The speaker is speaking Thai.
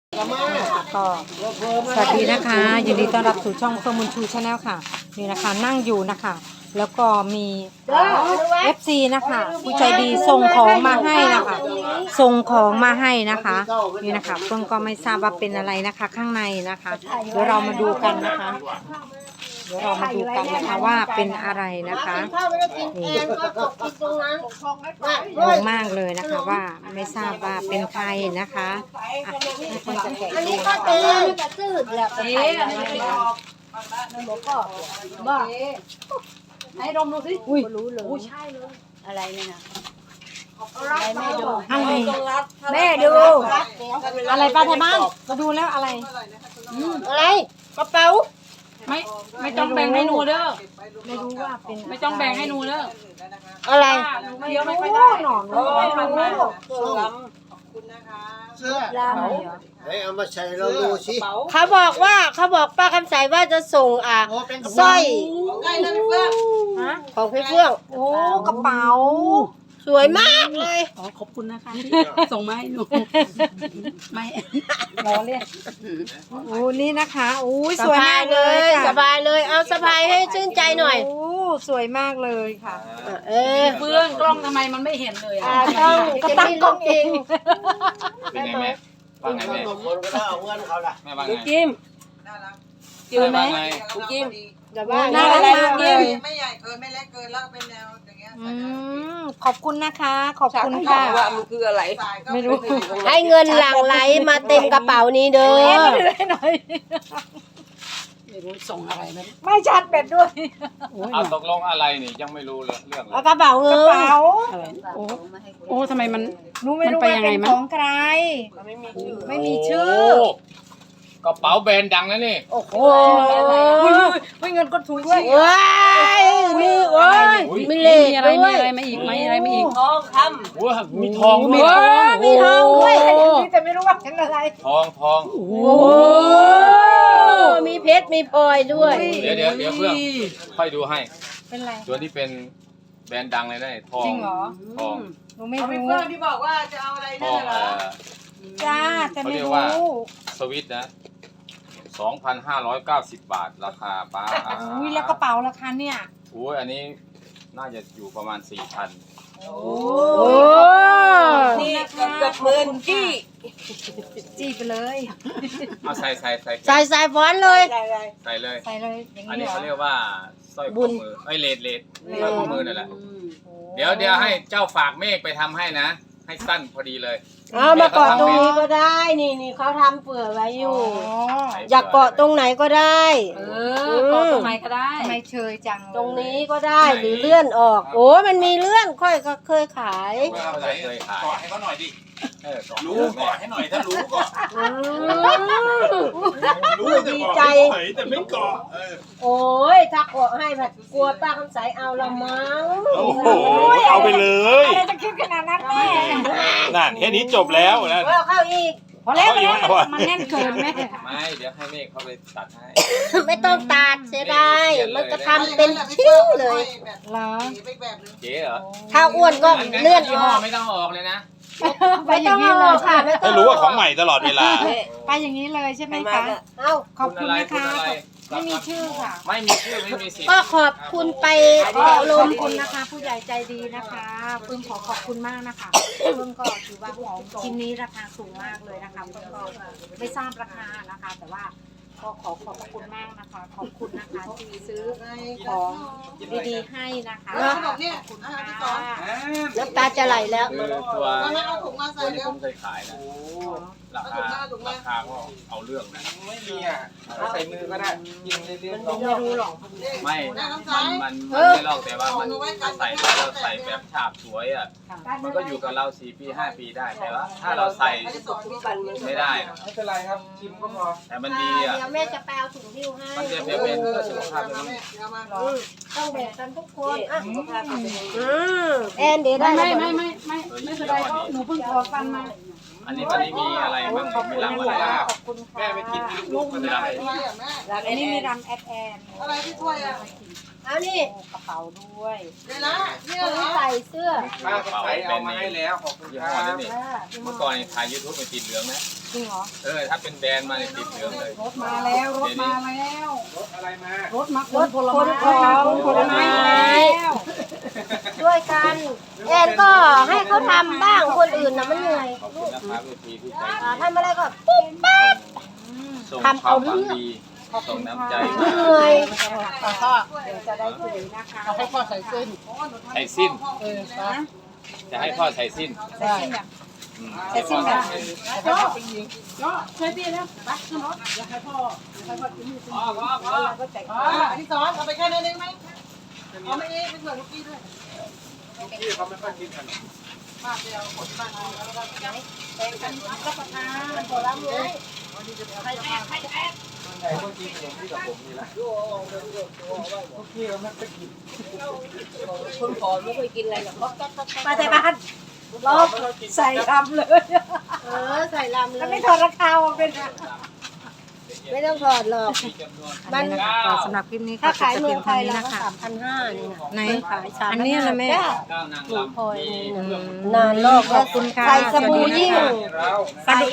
ก็สวัสดีนะคะยินดีต้อนรับสู่ช่องเฟิร์มบุญชูชาแนลค่ะนี่นะคะนั่งอยู่นะคะแล้วก็มีFC นะคะผู้ใจดีส่งของมาให้นะคะส่งของมาให้นะคะนี่นะคะเฟิร์มก็ไม่ทราบว่าเป็นอะไรนะคะข้างในนะคะเดี๋ยวเรามาดูกันนะคะเดี๋ยวเรามาดูกันนะคะว่าเป็นอะไรนะคะนี่งงมากเลยนะคะว่าไม่ทราบว่าเป็นใครนะคะคนจะแกะอันนี้ก็เต็มจะซื้อแล้วก็ไปแล้วบ้าให้ดมดูสิอุ้ยรู้เลยใช่เลยอะไรเนี่ยนะแม่ดูอะไรแม่ดูอะไรป้าไทยบ้านมาดูแล้วอะไรอะไรกระเป๋าไม่ต้องแบ่งให้หนูเด้อไม่รู้ว่าเป็นไม่ต้องแบ่งให้หนูเด้ออะไรหนูเคี้ยวไม่ค่อยได้หนอนเลยไม่ทันมากเสื้อลามเหรอให้เอามาใส่เราดูสิเขาบอกป้าคำใสว่าจะส่งสร้อยฮะของพี่เฟื่องโอ้กระเป๋าสวยมากเลยอ๋อขอบคุณนะคะส่งมาให้หนูไม่ล้อเลียนโอ้นี่นะคะโอ้ยสสวยบามาย กเลเลยยค่ะสบายเลยเอาสบายให้ชื่นใจหน่อยโอ้สวยมากเลยค่ะเออเฟื่องกล้องทำไมมันไม่เห็นเลยอ่ะต้องก็จะตั้งมีกล้ลูองกเอจริงงเป็นไงแม่ว่าไงขแม่นมคนก็ได้เอาเงินเขาละแม่ว่าไงกิมกินไหมว่าไงกิมแต่ว่าน่ารักมากเลยไม่ใหญ่เกินไม่เล็กเกินแล้วก็เป็นแนวอย่างเงี้ยขอบคุณนะคะ ขอบคุณค่ะว่ามันคืออะไรสายก็ไม่รู้ให้เงินหลั่งไหลมาเต็มกระเป๋านี้เด้อให้หน่อยไม่รู้ส่งอะไรไม่ไม่ชาร์จแบตด้วยเอาตกลงอะไรนี่ยังไม่รู้เลยเรื่องเลเอายกระเป๋าเงิกระนเป๋าอะไรโอ้ทำไมมันหนูไม่รู้มันไปว่ายังไงเป็นมั้ยของใคร ไม่มีชื่อโกระเป๋าแบรนด์ดังนะนี่โอ้โหไม่เงินก็ถูกด้วยว้ายนี่โอ้ยมีเลมีขอะไรด้มีวยอะไรมาอีกไหมอะไรมาอีกโอ้มีทองมีด้วยทองมีทองด้วยแต่ไม่รู้ว่าเป็นอะไรทองโอ้โอ้มีเพชรมีพลอยด้วยเดี๋ยวเพื่อนค่อยดูให้เป็นไรตัวที่เป็นแบรนด์ดังเลยนะทองจริงเหรอทองหนูไม่เอาไปรู้เพื่อนที่บอกว่าจะเอาอะไรทนั่อน งน่ะเหรอจ้าแต่ไม่เขาเรียกรู้ว่า สวิตนะ 2,590 บาทราคาป้าอุ้ยแล้วกระเป๋าราคาเนี่ยโอ้ยอันนี้น่าจะอยู่ประมาณ 4,000 โอ้โอ้นี่กับหมื่นจี้จี้ไปเลยเอาใส่ใส่ฟอนต์เลยใส่เลยใส่เลยอย่างอันนี้นี้เหรอเขาเรียกว่าสร้อยบุข้อญมือเอ้ยเลดสร้อยข้อมือนั่นแหละ เดี๋ยวให้เจ้าฝากเมฆไปทำให้นะ ให้สั้นพอดีเลยเอามาเกาะตรงนี้ก็ได้ นี่เขาทำเผื่อไว้อยู่อ๋ออยากเกาะตรงไหนก็ได้ก็ตรงไหนก็ได้ทำไมเชยจังเลยตรงนี้ก็ได้หรือเลื่อนออก โอ้มันมีเลื่อนค่อยก็เคยขายเคยขายกอดให้เขาหน่อยดิเกาะรู้กอดให้หน่อยถ้ารู้ก็อืมรู้จะดีกอดใจให้หน่อยแต่ไม่กอดโอ้ยถ้าเกาะให้แบบกลัวป้าคำใสเอาละมั้งโอ้โห เอาไปเลยอะไรจะคิดขนาดนั้นแม่นั่นแค่นี้จบแล้วนะเอาเข้าอีกพอแล้วเอาอยู่ไหมวะมันแน่นเกินแม่ไม่เดี๋ยวให้เมฆเขาไปตัดให้ไม่ต้องตัดเสียดายมันก็ทำเป็นชิ้นเลยเหรออีกแบบหนึงเจ๊เหรอถ้าอ้วนก็เลื่อนยี่อห้ออกไม่ต้องออกเลยนะไปไม่อต้อย่างงนี้เอาเลอย อกค่ะไม่ต้อให้งรู้ว่าของใหม่ตลอดเวลาไปอย่างนี้เลยใช่ไหมคะเอาขอบคุณนะคะอะไรไม่มีชื่อค่ะไม่มีชื่อไม่มีสิทธิ์ก็ขอบคุณไปก็ลขอมบคุณนะคะ ผู้ใหญ่ใจดีนะคะปึ้มขอขอบคุณมากนะคะปึ้มก็ถือว่าของชิ้นนี้ราคาสูงมากเลยนะคะปึ้มก็ไม่ทราบราคานะคะ แต่ว่าก็ขอบคุณมากนะคะ ขอบคุณนะคะที่ซื้อของดีๆให้นะคะแล้วเขาบอกเนี่ยขอบคุณอาหารที่ค่ะสองน้ำตาจะไหลแล้วคือตัวเอางั้นเอาถุงมาใส่ตัวที่เร็ผวมเคยขายนะราคาราคาก็เอาเรื่องนะไม่มีอ่ะใส่มือก็ได้ยิงเรื่อยๆไม่รู้หรอกไม่มันไม่ลอกแต่ว่ามันใส่แล้วเราใส่แบบฉาบสวยอ่ะ มันก็อยู่กับเรา4 ปี 5 ปีได้ แต่ว่าถ้าเราใส่อันที่สองที่บันเลยไม่ได้นะไม่เป็นไรครับชิมก็พอแต่มันดีอ่ะเดี๋ยวแม่จะไปเอาถุงหิ้วให้มันจะเป็นเพื่อสุขภาพเดี๋ยวเลยแม่เดี๋ยวมาต้องแบ่งกันทุกคนอ่ะแอนเดี๋ยวได้ไม่แล้วไม่เป็นไรเพราะหนูเพิ่งถอดฟันมาอันนี้มีอะไรบ้างมีรำอะไรบ้างขอบคุณค่ะแม่ไปกินลูกๆมันได้อะไรอ่ะแม่อันนี้มีรำแอดแอนอะไรที่ถ้วยอ่ะเอานี่กระเป๋าด้วยเดี๋ยวนะเนี่ยคนเหรที่อใส่เสื้อป้าก็ใส่เอามาให้แล้วขอบคุณยี่คห้อรันี้บนี่เมื่อก่อนนี่ถ่ายยูทูบมันติดเหลืองนะจริงเหรอถ้าเป็นแบรนด์มาเนี่ยติดเหลืองเลยรถมาแล้วรถมาแล้วรถอะไรมารถมาคนผลไม้คนผลไม้แล้วด้วยกันแอนก็ให้เขาทำบ้างคนอื่นนะมันเหนื่อยขอบคุณนะครับเวทีที่ใจทำอะไรก็ปุ๊บปั๊บส่งทำควาเอามหเรื่วัอง งดีส่งน้ำใจเหนื่อยพ่อเดี๋ยวจะได้คุยนะคะ เอาให้พ่อใส่เสื้อใส่สิ้นนะจะให้พ่อใส่สิ้นใส่สิ้นให้พ่อใส่สิ้นก็ช่วยพี่แล้วไปขึ้นรถเดี๋ยวให้พ่อกินนี่สิแล้วก็แต่งอันที่สองเอาไปแค่นั้นเองไหมเอาไม่เองเป็นเผื่อลูกกี้ด้วยพี่เขาไม่ค่อยกินขนมมาเดียวคนที่บ้านเอาแล้วก็แต่งกันรับประทานผลไม้ใหญ่ก็กินขนมที่กับผมนี่แหละพี่เขาไม่ค่อยกินคนผอมไม่เคยกินอะไรหรอกมาแต่บ้านรอบใส่คำเลยใส่ลำเลแล้วยไม่ถอดราคามาเป็นไม่ต้องถอดหรอกมันสำหรับคลิปนี้ก็ถ้าจะขายเพีเมืยอง งไทเท่าย นี้เรานะก็คะ 3,500นี่นะไหนขาย3,500 อันนี้นะแม่จ้าก้าวนางรำมีนานโลกขอบคุณค่ะใส่สบู่ยิ่งเราใส่